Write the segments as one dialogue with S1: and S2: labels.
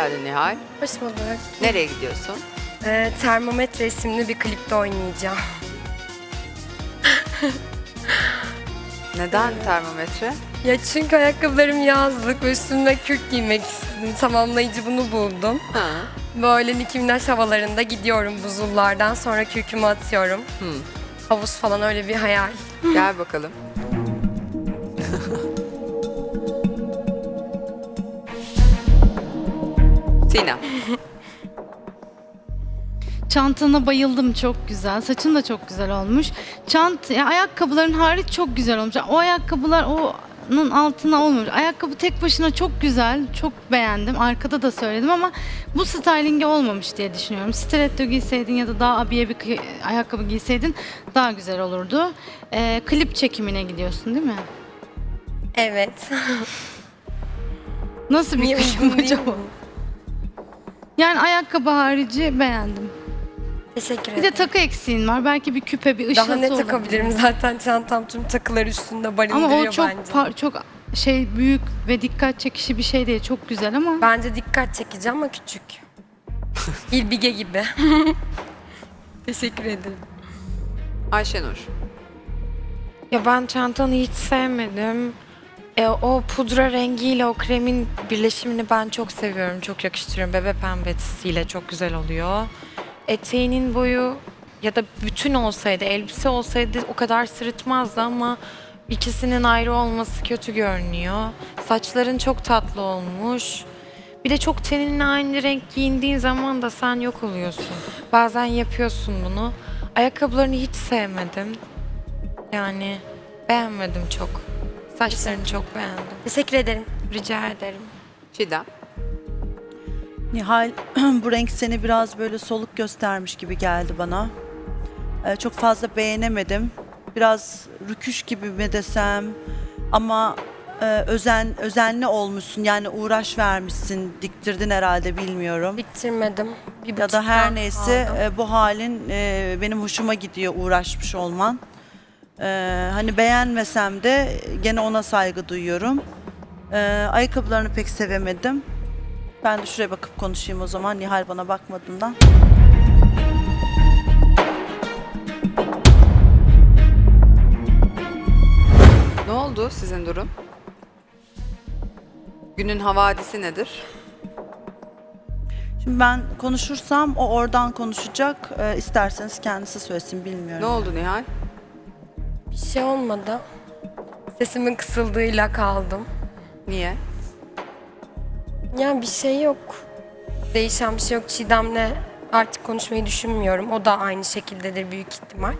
S1: geldin Nihal.
S2: Hoş bulduk.
S1: Nereye gidiyorsun?
S2: Termometre isimli bir klipte oynayacağım.
S1: Neden termometre?
S2: Ya çünkü ayakkabılarım yazlık ve üstümde kürk giymek istedim. Tamamlayıcı bunu buldum.
S1: Ha.
S2: Böyle Nicki Minaj havalarında gidiyorum buzullardan, sonra kürkümü atıyorum. Havuz falan, öyle bir hayal.
S1: Gel bakalım. Sinem.
S3: Çantana bayıldım, çok güzel. Saçın da çok güzel olmuş. Ayakkabıların hariç çok güzel olmuş. O ayakkabılar onun altına olmamış. Ayakkabı tek başına çok güzel. Çok beğendim. Arkada da söyledim ama bu stylinge olmamış diye düşünüyorum. Stiletto giyseydin ya da daha abiye bir ayakkabı giyseydin daha güzel olurdu. Klip çekimine gidiyorsun değil mi?
S2: Evet.
S3: Nasıl bir
S2: Niye
S3: klip
S2: uygun değil
S3: acaba?
S2: mi?
S3: Yani ayakkabı harici beğendim.
S2: Teşekkür
S3: Bir de
S2: ederim.
S3: takı eksiğin var. Belki bir küpe, bir ışıltı
S2: Daha ne
S3: olur.
S2: takabilirim, zaten çantam tüm takılar üstünde barındırıyor
S3: Ama o çok
S2: bence.
S3: çok büyük ve dikkat çekişi bir şey değil. Çok güzel ama
S2: Bence dikkat çekici ama küçük. İlbige gibi. Teşekkür ederim.
S1: Ayşenur.
S4: Ya ben çantanı hiç sevmedim. O pudra rengiyle o kremin birleşimini ben çok seviyorum, çok yakıştırıyorum. Bebe pembesiyle çok güzel oluyor. Eteğinin boyu ya da bütün olsaydı, elbise olsaydı o kadar sırıtmazdı ama ikisinin ayrı olması kötü görünüyor. Saçların çok tatlı olmuş. Bir de çok teninle aynı renk giyindiğin zaman da sen yok oluyorsun. Bazen yapıyorsun bunu. Ayakkabılarını hiç sevmedim. Yani beğenmedim çok. Saçlarını çok beğendim.
S2: Teşekkür ederim.
S4: Rica ederim.
S1: Çiğdem.
S5: Nihal, bu renk seni biraz böyle soluk göstermiş gibi geldi bana. Çok fazla beğenemedim. Biraz rüküş gibi mi desem ama özenli olmuşsun. Yani uğraş vermişsin, diktirdin herhalde, bilmiyorum.
S2: Bitirmedim. Bir
S5: Ya da
S2: buçuk
S5: her
S2: daha
S5: neyse
S2: aldım.
S5: bu halin benim hoşuma gidiyor, uğraşmış olman. Hani beğenmesem de gene ona saygı duyuyorum. Ayakkabılarını pek sevemedim. Ben de şuraya bakıp konuşayım o zaman, Nihal bana bakmadığından.
S1: Ne oldu sizin durum? Günün havadisi nedir?
S5: Şimdi ben konuşursam o oradan konuşacak. İsterseniz kendisi söylesin, bilmiyorum.
S1: Ne oldu Nihal?
S2: Bir şey olmadı. Sesimin kısıldığıyla kaldım.
S1: Niye?
S2: Ya bir şey yok. Değişen bir şey yok. Çiğdem'le artık konuşmayı düşünmüyorum. O da aynı şekildedir büyük ihtimal.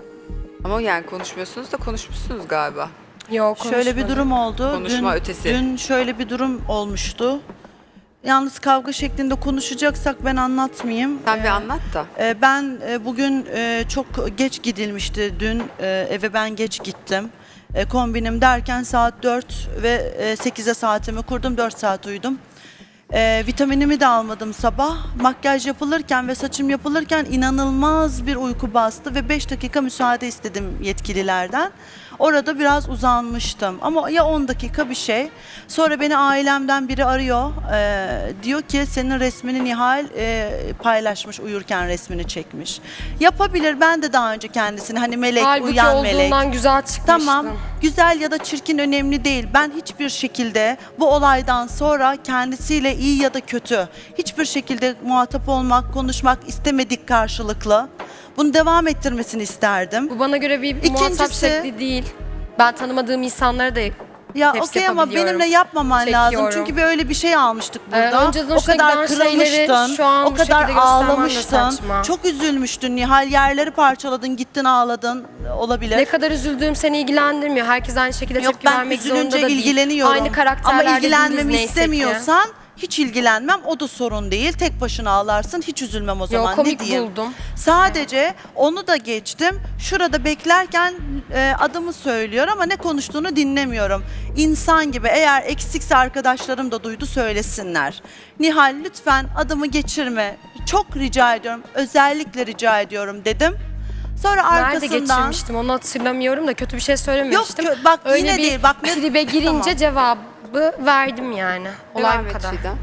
S1: Ama yani konuşmuyorsunuz da konuşmuşsunuz galiba.
S2: Yok,
S5: Şöyle bir
S2: konuşmadım.
S5: durum oldu.
S1: Konuşma ötesi.
S5: Dün şöyle bir durum olmuştu. Yalnız kavga şeklinde konuşacaksak ben anlatmayayım.
S1: Sen bir anlat da.
S5: Ben bugün çok geç gidilmişti. Dün eve ben geç gittim. Kombinim derken saat 4 ve 8'e saatimi kurdum. 4 saat uyudum. Vitaminimi de almadım sabah. Makyaj yapılırken ve saçım yapılırken inanılmaz bir uyku bastı ve 5 dakika müsaade istedim yetkililerden. Orada biraz uzanmıştım ama ya 10 dakika bir şey. Sonra beni ailemden biri arıyor. Diyor ki senin resmini Nihal paylaşmış, uyurken resmini çekmiş. Yapabilir, ben de daha önce kendisini hani melek,
S2: Halbuki
S5: uyuyan melek.
S2: olduğundan güzel çıkmıştım.
S5: Tamam, güzel ya da çirkin önemli değil. Ben hiçbir şekilde bu olaydan sonra kendisiyle iyi ya da kötü hiçbir şekilde muhatap olmak, konuşmak istemedik karşılıklı. Bunu devam ettirmesini isterdim.
S2: Bu bana göre bir muhatap
S5: İkincisi-
S2: şekli değil. Ben tanımadığım insanlara da
S5: Ya
S2: hepsi
S5: okey ama
S2: yapabiliyorum.
S5: benimle yapmaman lazım.
S2: Çekiyorum.
S5: Çünkü böyle bir şey almıştık burada.
S2: önceden
S5: O
S2: hoşuna
S5: kadar
S2: giden şeyleri
S5: kırılmıştın,
S2: şu an
S5: o
S2: bu
S5: kadar
S2: şekilde göstermen de
S5: ağlamıştın.
S2: saçma.
S5: Çok üzülmüştün Nihal. Yerleri parçaladın, gittin ağladın. Olabilir.
S2: Ne kadar üzüldüğüm seni ilgilendirmiyor. Herkes aynı şekilde
S5: Yok,
S2: tepki
S5: ben
S2: vermek zorunda
S5: üzülünce
S2: da değil.
S5: ilgileniyorum.
S2: Aynı karakterlerde
S5: Ama
S2: değiliz
S5: ilgilenmemi
S2: neyse ki.
S5: istemiyorsan hiç ilgilenmem. O da sorun değil. Tek başına ağlarsın. Hiç üzülmem o zaman.
S2: Yok, komik
S5: ne diyeyim?
S2: buldum.
S5: Sadece onu da geçtim. Şurada beklerken adımı söylüyor ama ne konuştuğunu dinlemiyorum. İnsan gibi, eğer eksikse arkadaşlarım da duydu söylesinler. Nihal lütfen adımı geçirme. Çok rica ediyorum. Özellikle rica ediyorum dedim. Sonra
S2: Nerede
S5: arkasından...
S2: geçirmiştim onu hatırlamıyorum da kötü bir şey söylememiştim.
S5: bak
S2: Öyle
S5: yine
S2: bir
S5: değil. Bak ne...
S2: tribe girince
S5: Tamam.
S2: cevabı verdim yani. Olay
S1: Devam
S2: bu
S1: et
S2: kadar.
S1: Çiğdem.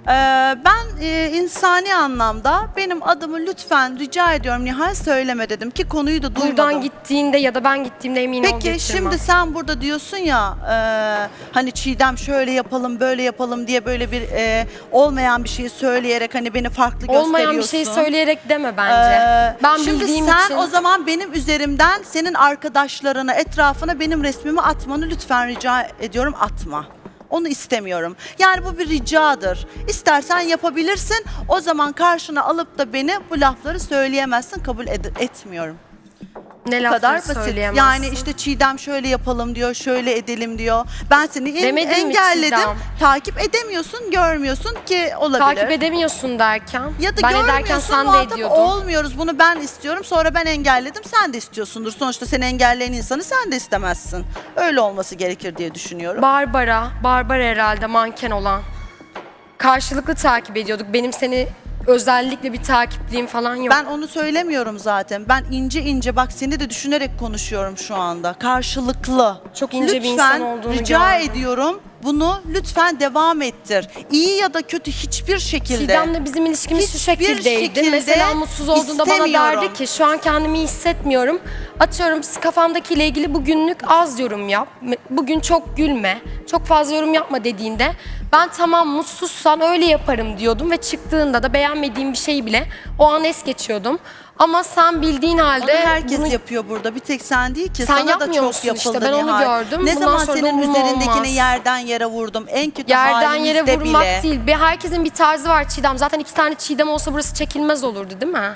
S5: Ben insani anlamda benim adımı lütfen rica ediyorum Nihal söyleme dedim ki konuyu da duymadım.
S2: Buradan gittiğinde ya da ben gittiğimde emin ol
S5: Peki
S2: getirmem.
S5: şimdi sen burada diyorsun ya hani Çiğdem şöyle yapalım böyle yapalım diye böyle bir olmayan bir şeyi söyleyerek hani beni farklı gösteriyorsun.
S2: Olmayan bir şeyi söyleyerek deme bence. Ben
S5: Şimdi
S2: bildiğim
S5: sen
S2: için...
S5: o zaman benim üzerimden senin arkadaşlarına, etrafına benim resmimi atmanı lütfen rica ediyorum atma. Onu istemiyorum. Yani bu bir ricadır. İstersen yapabilirsin. O zaman karşına alıp da beni bu lafları söyleyemezsin. Kabul etmiyorum.
S2: Ne
S5: Bu
S2: lafları
S5: kadar basit.
S2: söyleyemezsin.
S5: Yani işte Çiğdem şöyle yapalım diyor, şöyle edelim diyor. Ben seni
S2: Demedim mi
S5: engelledim.
S2: Çiğdem?
S5: Takip edemiyorsun, görmüyorsun ki olabilir.
S2: Takip edemiyorsun derken.
S5: Ya da
S2: ben ederken
S5: görmüyorsun,
S2: sen de
S5: muhatap
S2: ediyordun.
S5: olmuyoruz. Bunu ben istiyorum. Sonra ben engelledim. Sen de istiyorsundur. Sonuçta seni engelleyen insanı sen de istemezsin. Öyle olması gerekir diye düşünüyorum.
S2: Barbara herhalde manken olan. Karşılıklı takip ediyorduk. Benim seni özellikle bir takipliğim falan yok.
S5: Ben onu söylemiyorum zaten. Ben ince ince bak seni de düşünerek konuşuyorum şu anda. Karşılıklı.
S2: Çok ince bir
S5: lütfen,
S2: insan olduğunu
S5: rica
S2: gördüm.
S5: ediyorum. Bunu lütfen devam ettir. İyi ya da kötü hiçbir şekilde.
S2: Çiğdem'le bizim ilişkimiz şu
S5: Hiçbir
S2: şekildeydi.
S5: şekilde
S2: Mesela mutsuz olduğunda bana
S5: istemiyorum.
S2: derdi ki şu an kendimi iyi hissetmiyorum. Atıyorum kafamdakiyle ilgili bugünlük az yorum yap. Bugün çok gülme. Çok fazla yorum yapma dediğinde ben tamam mutsuzsan öyle yaparım diyordum ve çıktığında da beğenmediğim bir şeyi bile o an es geçiyordum. Ama sen bildiğin
S5: Onu
S2: halde
S5: herkes
S2: bunu
S5: yapıyor burada. Bir tek sen değil ki.
S2: Sen
S5: Sana da
S2: yapmıyor
S5: çok
S2: musun işte?
S5: yapıldı
S2: Ben onu
S5: Nihal.
S2: gördüm.
S5: Ne
S2: Bundan
S5: zaman
S2: sonra da
S5: senin
S2: umurumda
S5: üzerindekini
S2: olmaz.
S5: yerden yere vurdum. En kötü
S2: yerden yere
S5: halimizde
S2: vurmak
S5: bile.
S2: değil. Herkesin bir tarzı var Çiğdem. Zaten 2 tane Çiğdem olsa burası çekilmez olurdu değil mi?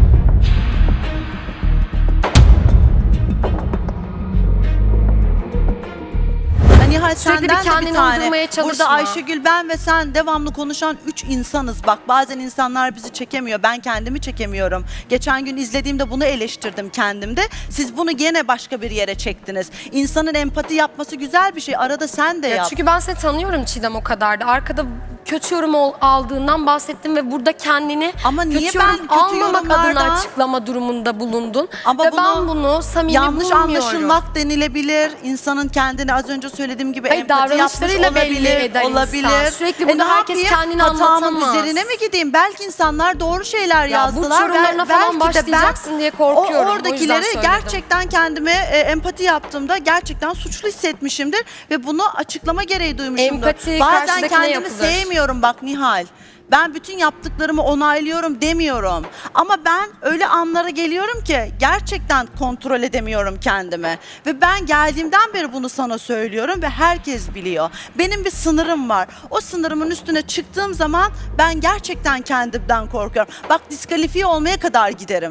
S5: Nihal
S2: Sürekli bir
S5: senden de
S2: kendini
S5: bir tane.
S2: uydurmaya çalışma.
S5: Burada Ayşegül ben ve sen devamlı konuşan 3 insanız. Bak bazen insanlar bizi çekemiyor. Ben kendimi çekemiyorum. Geçen gün izlediğimde bunu eleştirdim kendimde. Siz bunu gene başka bir yere çektiniz. İnsanın empati yapması güzel bir şey. Arada sen de yap.
S2: Çünkü ben seni tanıyorum Çiğdem o kadar da. Arkada kötü yorum aldığından bahsettim ve burada kendini
S5: Ama niye
S2: kötü
S5: ben
S2: yorum
S5: kötü
S2: almamak adına
S5: yorumlardan-
S2: açıklama durumunda bulundun.
S5: Ama
S2: ve ben bunu samimi
S5: yanlış
S2: bulmuyorum.
S5: anlaşılmak denilebilir. İnsanın kendini az önce söylediğim gibi
S2: Hayır,
S5: empati yapmış
S2: davranışlarıyla belli
S5: olabilir.
S2: eder insan.
S5: Olabilir.
S2: Sürekli burada
S5: ne
S2: herkes
S5: yapayım?
S2: kendini
S5: Hatamın
S2: anlatamaz.
S5: üzerine mi gideyim? Belki insanlar doğru şeyler
S2: Ya burç
S5: yazdılar.
S2: yorumlarına falan
S5: Belki de ben
S2: başlayacaksın diye korkuyorum. O yüzden
S5: oradakilere
S2: söyledim.
S5: gerçekten kendime empati yaptığımda gerçekten suçlu hissetmişimdir ve bunu açıklama gereği duymuşumdur.
S2: Empati
S5: Bazen
S2: karşıdakine
S5: kendimi
S2: yapılır.
S5: sevmiyorum bak Nihal. Ben bütün yaptıklarımı onaylıyorum demiyorum. Ama ben öyle anlara geliyorum ki gerçekten kontrol edemiyorum kendimi. Ve ben geldiğimden beri bunu sana söylüyorum ve herkes biliyor. Benim bir sınırım var. O sınırımın üstüne çıktığım zaman ben gerçekten kendimden korkuyorum. Bak diskalifiye olmaya kadar giderim.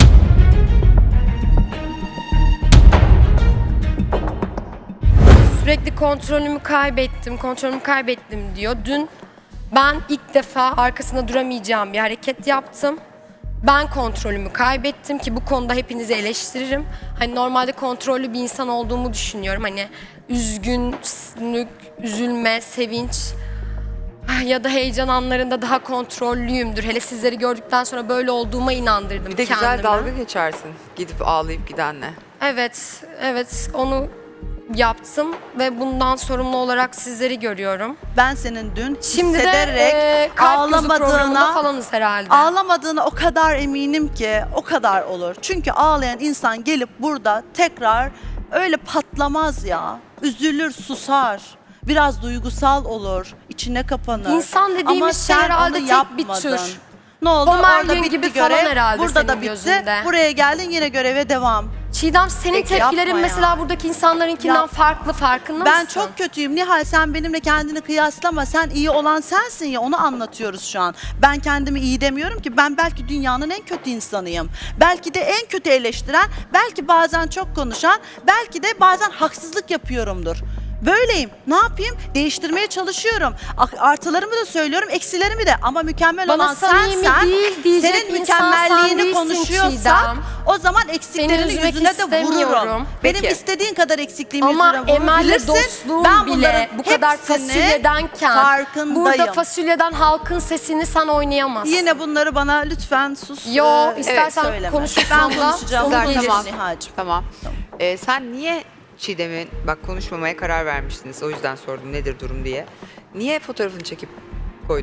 S2: Sürekli kontrolümü kaybettim diyor. Dün ben ilk defa arkasında duramayacağım bir hareket yaptım. Ben kontrolümü kaybettim ki bu konuda hepinizi eleştiririm. Hani normalde kontrollü bir insan olduğumu düşünüyorum. Hani üzgünlük, üzülme, sevinç ya da heyecan anlarında daha kontrollüyümdür. Hele sizleri gördükten sonra böyle olduğuma inandırdım
S1: Bir de
S2: kendime.
S1: güzel dalga geçersin gidip ağlayıp gidenle.
S2: Evet onu yaptım ve bundan sorumlu olarak sizleri görüyorum.
S5: Ben senin dün
S2: Şimdi
S5: hissederek
S2: de kalp gözü programında
S5: ağlamadığına,
S2: falanız herhalde.
S5: ağlamadığına o kadar eminim ki o kadar olur. Çünkü ağlayan insan gelip burada tekrar öyle patlamaz ya. Üzülür, susar. Biraz duygusal olur, içine kapanır.
S2: İnsan dediğimiz
S5: Ama
S2: şey
S5: sen
S2: herhalde
S5: onu
S2: tek bir
S5: yapmadın.
S2: tür.
S5: Ne oldu?
S2: Homer
S5: Orada
S2: Gün
S5: bitti
S2: gibi falan
S5: görev,
S2: herhalde
S5: burada
S2: senin
S5: da bitti.
S2: gözünde.
S5: Buraya geldin yine göreve devam.
S2: Çiğdem senin
S5: Peki,
S2: tepkilerin
S5: yapma
S2: mesela
S5: ya.
S2: buradaki insanlarınkinden
S5: Ya,
S2: farklı, farkında
S5: Ben
S2: mısın?
S5: çok kötüyüm. Nihal sen benimle kendini kıyaslama. Sen iyi olan sensin ya, onu anlatıyoruz şu an. Ben kendimi iyi demiyorum ki. Ben belki dünyanın en kötü insanıyım. Belki de en kötü eleştiren, belki bazen çok konuşan, belki de bazen haksızlık yapıyorumdur. Böyleyim. Ne yapayım? Değiştirmeye çalışıyorum. Artılarımı da söylüyorum, eksilerimi de. Ama mükemmel
S2: Bana
S5: olan
S2: samimi
S5: sensen,
S2: değil diyecek
S5: senin
S2: insan sen
S5: mükemmelliğini
S2: değilsin
S5: konuşuyorsak,
S2: Çiğdem.
S5: o zaman eksiklerini
S2: üzmek
S5: yüzüne de vururum.
S2: istemiyorum.
S5: Benim
S1: Peki.
S5: istediğin kadar eksikliğimi
S2: Ama
S5: yüzüne
S2: Emel'le
S5: vurabilirsin.
S2: dostluğum
S5: Ben
S2: bile
S5: bunların
S2: bu kadar
S5: hepsini
S2: fasulyedenken
S5: farkındayım.
S2: burada fasulyeden halkın sesini sen oynayamazsın.
S5: Yine bunları bana lütfen sus.
S2: Yo,
S5: e,
S2: istersen
S5: söyleme.
S2: konuşursan
S5: Ben
S2: da
S5: konuşacağım.
S2: sonu
S1: Güzel,
S2: gelir.
S1: tamam.
S5: Nihal'cim.
S1: Tamam. Sen niye Çiğdem'in, bak konuşmamaya karar vermiştiniz o yüzden sordum nedir durum diye. Niye fotoğrafını çekip koydun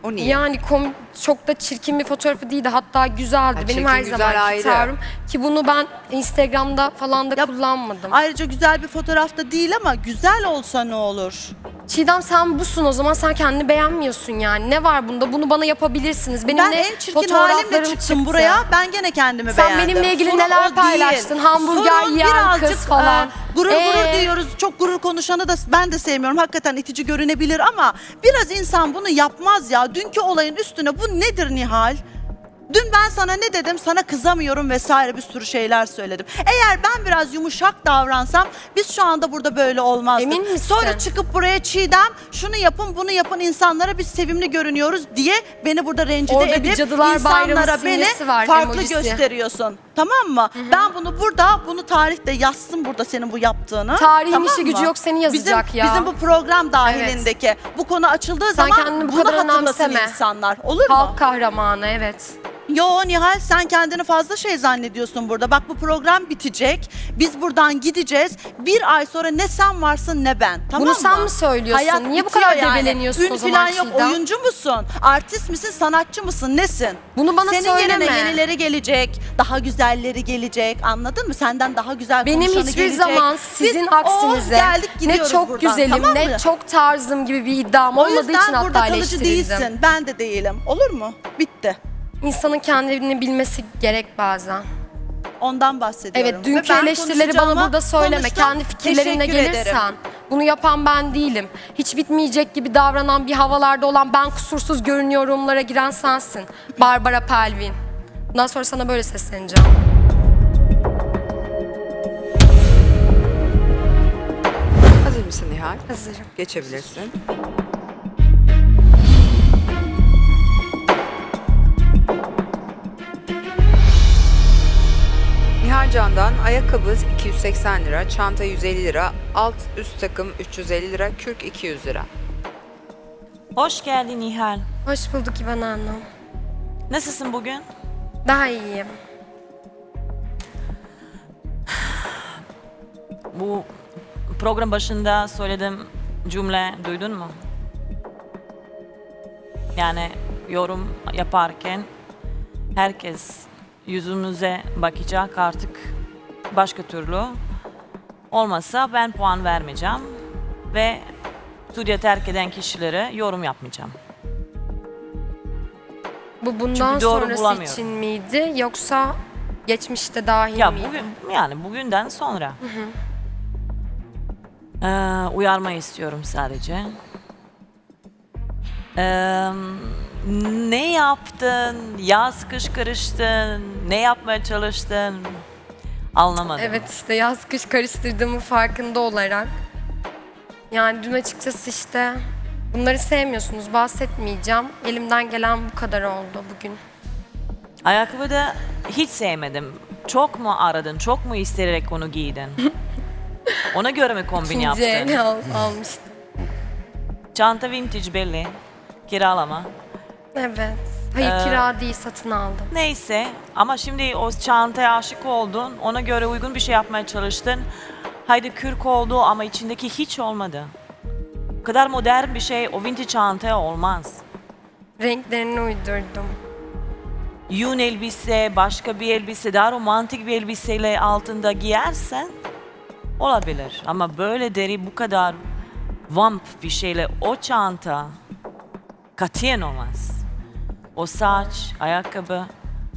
S1: O niye?
S2: Yani çok da çirkin bir fotoğrafı değildi. Hatta güzeldi.
S1: Ha,
S2: Benim
S1: çirkin,
S2: her
S1: güzel
S2: zamanki
S1: ayrı.
S2: tavrım. Ki bunu ben Instagram'da falan da
S5: Ya,
S2: kullanmadım.
S5: Ayrıca güzel bir fotoğrafta değil ama güzel olsa ne olur?
S2: Çiğdem sen busun o zaman, sen kendini beğenmiyorsun yani. Ne var bunda? Bunu bana yapabilirsiniz. Benim
S5: Ben
S2: de
S5: en çirkin
S2: fotoğraflarım
S5: halimle çıktım
S2: çıktı.
S5: buraya. Ben gene kendimi
S2: Sen
S5: beğendim.
S2: benimle ilgili
S5: Sorun
S2: neler
S5: o değil.
S2: paylaştın? Hamburger
S5: Sorun
S2: yiyen
S5: birazcık,
S2: kız falan.
S5: Gurur diyoruz. Çok gurur konuşanı da ben de sevmiyorum. Hakikaten itici görünebilir ama biraz insan bunu yapmaz ya. Dünkü olayın üstüne bu nedir Nihal? Dün ben sana ne dedim? Sana kızamıyorum vesaire bir sürü şeyler söyledim. Eğer ben biraz yumuşak davransam biz şu anda burada böyle olmazdık.
S2: Emin misin?
S5: Sonra çıkıp buraya Çiğdem şunu yapın bunu yapın insanlara biz sevimli görünüyoruz diye beni burada rencide
S2: Orada bir
S5: edip
S2: Cadılar Bayramı
S5: insanlara beni
S2: simgesi var,
S5: farklı
S2: emojisi.
S5: gösteriyorsun. Tamam mı? Ben bunu tarihte yazsın burada senin bu yaptığını.
S2: Tarihin
S5: tamam
S2: işi gücü
S5: mı?
S2: yok, seni yazacak
S5: bizim,
S2: ya.
S5: Bizim bu program dahilindeki bu konu açıldığı
S2: Sen
S5: zaman
S2: kendini bu
S5: bunu
S2: kadar
S5: hatırlasın
S2: önemseme.
S5: insanlar. Olur mu?
S2: Halk kahramanı, evet.
S5: Yo Nihal sen kendini fazla şey zannediyorsun burada. Bak bu program bitecek. Biz buradan gideceğiz. Bir ay sonra ne sen varsın ne ben. Tamam
S2: Bunu
S5: mı?
S2: sen mi söylüyorsun?
S5: Hayat
S2: Niye bu
S5: bitiyor
S2: kadar debeleniyorsun
S5: Ün
S2: o zaman
S5: falan yok.
S2: Çiğdem?
S5: Oyuncu musun? Artist misin? Sanatçı mısın? Nesin?
S2: Bunu bana
S5: Senin
S2: söyleme.
S5: yerine yenileri gelecek. Daha güzelleri gelecek. Anladın mı? Senden daha güzel
S2: Benim
S5: konuşanı
S2: hiçbir
S5: gelecek.
S2: zaman
S5: Biz,
S2: sizin aksinize
S5: geldik
S2: ne
S5: gidiyoruz
S2: çok
S5: buradan,
S2: güzelim
S5: tamam
S2: ne
S5: mı?
S2: çok tarzım gibi bir iddiam
S5: O
S2: olmadığı için
S5: yüzden burada
S2: hatta
S5: kalıcı
S2: eleştirildim.
S5: değilsin. Ben de değilim. Olur mu? Bitti.
S2: İnsanın kendini bilmesi gerek bazen.
S5: Ondan bahsediyorum.
S2: Evet,
S5: Ve
S2: dünkü
S5: ben
S2: eleştirileri bana
S5: konuşacağıma
S2: burada söyleme.
S5: konuştum.
S2: Kendi fikirlerinle
S5: Teşekkür
S2: gelirsen.
S5: ederim.
S2: Bunu yapan ben değilim. Hiç bitmeyecek gibi davranan, bir havalarda olan, ben kusursuz görünüyorumlara giren sensin. Barbara Palvin. Bundan sonra sana böyle sesleneceğim.
S1: Hazır mısın Nihal?
S2: Hazırım.
S1: Geçebilirsin. Nihal Can'dan ayakkabı 280 lira, çanta 150 lira, alt üst takım 350 lira, kürk 200 lira.
S6: Hoş geldin Nihal.
S2: Hoş bulduk İvan Hanım.
S6: Nasılsın bugün?
S2: Daha iyiyim.
S6: Bu program başında söylediğim cümle duydun mu? Yani yorum yaparken herkes yüzümüze bakacak artık, başka türlü. Olmazsa ben puan vermeyeceğim ve stüdyo terk eden kişilere yorum yapmayacağım.
S2: Bu bundan
S6: Çünkü doğru
S2: sonrası
S6: bulamıyorum.
S2: için miydi yoksa geçmişte dahil
S6: Ya
S2: miydi?
S6: bugün, yani bugünden sonra. Uyarmayı istiyorum sadece. Ne yaptın? Yaz kış karıştın? Ne yapmaya çalıştın? Anlamadım.
S2: Evet, işte yaz kış karıştırdığımın farkında olarak. Yani dün açıkçası işte bunları sevmiyorsunuz, bahsetmeyeceğim. Elimden gelen bu kadar oldu bugün.
S6: Ayakkabı da hiç sevmedim. Çok mu aradın? Çok mu isteyerek onu giydin? Ona göre mi kombin
S2: İkinci
S6: yaptın?
S2: el almıştım.
S6: Çanta vintage belli. Kiralama.
S2: Evet. Hayır, kira değil, satın aldım.
S6: Neyse ama şimdi o çantaya aşık oldun. Ona göre uygun bir şey yapmaya çalıştın. Haydi kürk oldu ama içindeki hiç olmadı. O kadar modern bir şey o vintage çantaya olmaz.
S2: Renklerini uydurdum.
S6: Yün elbise, başka bir elbise, daha romantik bir elbiseyle altında giyersen olabilir. Ama böyle deri bu kadar vamp bir şeyle o çanta katiyen olmaz. O saç, ayakkabı.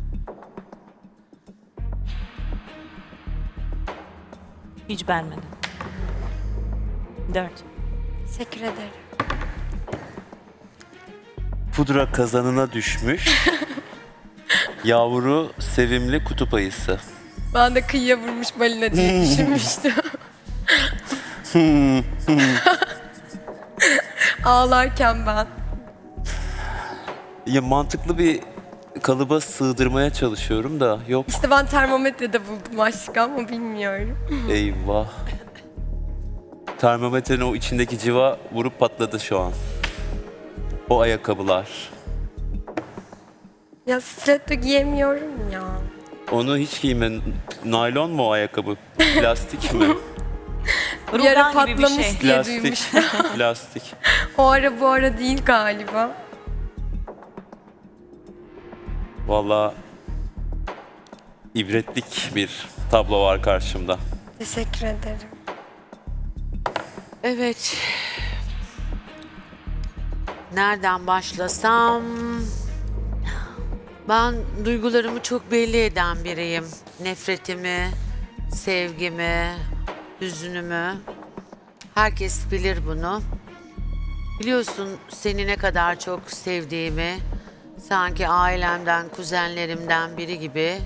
S6: Hiç beğenmedim. 4.
S2: Teşekkür ederim.
S7: Pudra kazanına düşmüş. Yavru sevimli kutup ayısı.
S2: Ben de kıyıya vurmuş balina diye düşünmüştüm. Ağlarken ben.
S7: Ya mantıklı bir kalıba sığdırmaya çalışıyorum da yok.
S2: İşte ben termometrede buldum aşkı ama bilmiyorum.
S7: Eyvah. Termometrenin o içindeki civa vurup patladı şu an. O ayakkabılar.
S2: Ya stiletto giyemiyorum ya.
S7: Onu hiç giyme. Naylon mu o ayakkabı? Plastik mi?
S2: Bir ara
S6: Rugan gibi bir
S2: patlamış
S6: şey.
S2: diye
S7: Plastik.
S2: duymuştum.
S7: Plastik.
S2: O ara bu ara değil galiba.
S7: Vallahi ibretlik bir tablo var karşımda.
S2: Teşekkür ederim.
S8: Evet. Nereden başlasam? Ben duygularımı çok belli eden biriyim. Nefretimi, sevgimi, hüznümü. Herkes bilir bunu. Biliyorsun seni ne kadar çok sevdiğimi, sanki ailemden, kuzenlerimden biri gibi.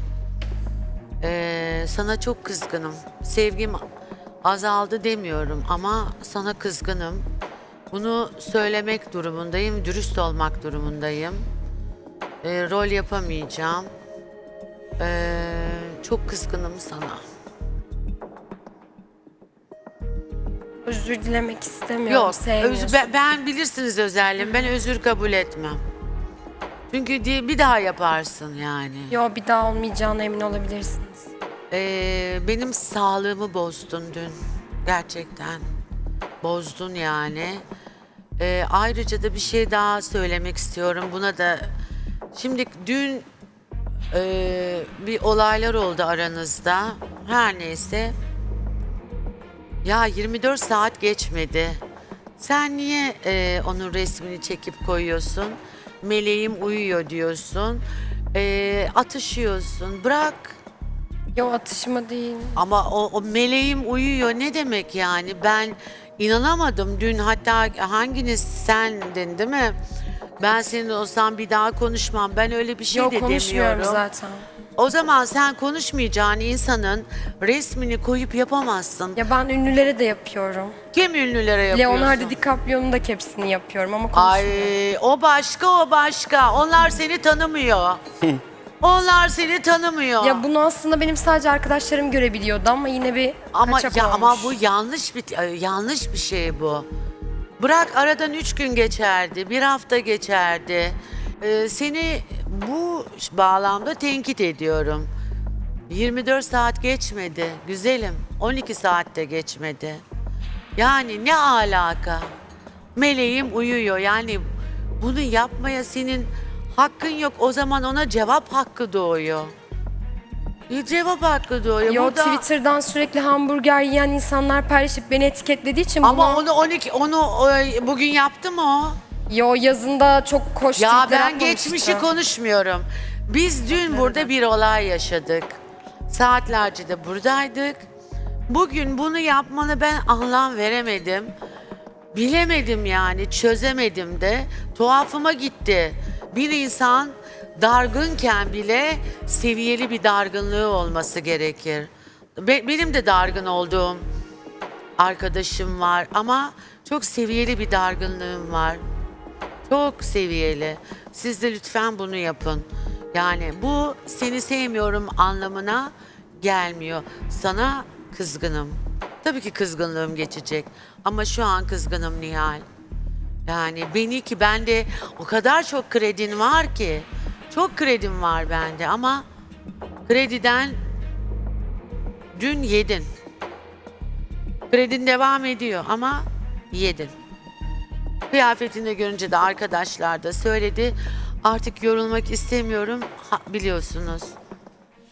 S8: Sana çok kızgınım. Sevgim azaldı demiyorum ama sana kızgınım. Bunu söylemek durumundayım, dürüst olmak durumundayım. Rol yapamayacağım. Çok kızgınım sana.
S2: Özür dilemek istemiyorum.
S8: Yok,
S2: sevmiyorsun.
S8: ben bilirsiniz özelliğimi. Ben özür kabul etmem. Çünkü bir daha yaparsın yani.
S2: Yo, bir daha olmayacağına emin olabilirsiniz.
S8: Benim sağlığımı bozdun dün. Gerçekten. Bozdun yani. Ayrıca da bir şey daha söylemek istiyorum. Buna da... Şimdi dün bir olaylar oldu aranızda. Her neyse. Ya 24 saat geçmedi. Sen niye onun resmini çekip koyuyorsun? Meleğim uyuyor diyorsun. Atışıyorsun. Bırak.
S2: Yo, atışma değil.
S8: Ama o meleğim uyuyor ne demek yani? Ben inanamadım dün, hatta hanginiz, sendin değil mi? Ben senin olsam bir daha konuşmam. Ben öyle bir şey
S2: Yo,
S8: de
S2: konuşmuyorum
S8: demiyorum.
S2: zaten.
S8: O zaman sen konuşmayacağın insanın resmini koyup yapamazsın.
S2: Ya ben ünlülere de yapıyorum.
S8: Kim ünlülere yapıyorsun?
S2: Leonardo DiCaprio'nun da hepsini yapıyorum ama konuşmuyorum.
S8: Ay, o başka, o başka. Onlar seni tanımıyor. Onlar seni tanımıyor.
S2: Ya bunu aslında benim sadece arkadaşlarım görebiliyordu ama yine bir kaçak olmuş.
S8: Ama bu yanlış bir şey bu. Bırak, aradan 3 gün geçerdi, 1 hafta geçerdi. Seni bu bağlamda tenkit ediyorum. 24 saat geçmedi güzelim. 12 saat de geçmedi. Yani ne alaka? Meleğim uyuyor. Yani bunu yapmaya senin hakkın yok. O zaman ona cevap hakkı doğuyor. Cevap hakkı doğuyor.
S2: Yo,
S8: Burada...
S2: Twitter'dan sürekli hamburger yiyen insanlar paylaşıp beni etiketlediği için
S8: Ama
S2: bunu...
S8: onu bugün yaptı mı o?
S2: Yo, yazında çok koş
S8: Ya
S2: tweetler
S8: ben
S2: atmamıştı.
S8: geçmişi konuşmuyorum. Biz dün burada bir olay yaşadık. Saatlerce de buradaydık. Bugün bunu yapmanı ben anlam veremedim. Bilemedim yani, çözemedim de. Tuhafıma gitti. Bir insan dargınken bile seviyeli bir dargınlığı olması gerekir. Benim de dargın olduğum arkadaşım var ama çok seviyeli bir dargınlığım var. Çok seviyeli. Siz de lütfen bunu yapın. Yani bu seni sevmiyorum anlamına gelmiyor. Sana kızgınım. Tabii ki kızgınlığım geçecek. Ama şu an kızgınım Nihal. Yani bende o kadar çok kredin var ki. Çok kredim var bende ama krediden dün yedin. Kredin devam ediyor ama yedin. Kıyafetini de görünce de arkadaşlar da söyledi. Artık yorulmak istemiyorum, biliyorsunuz.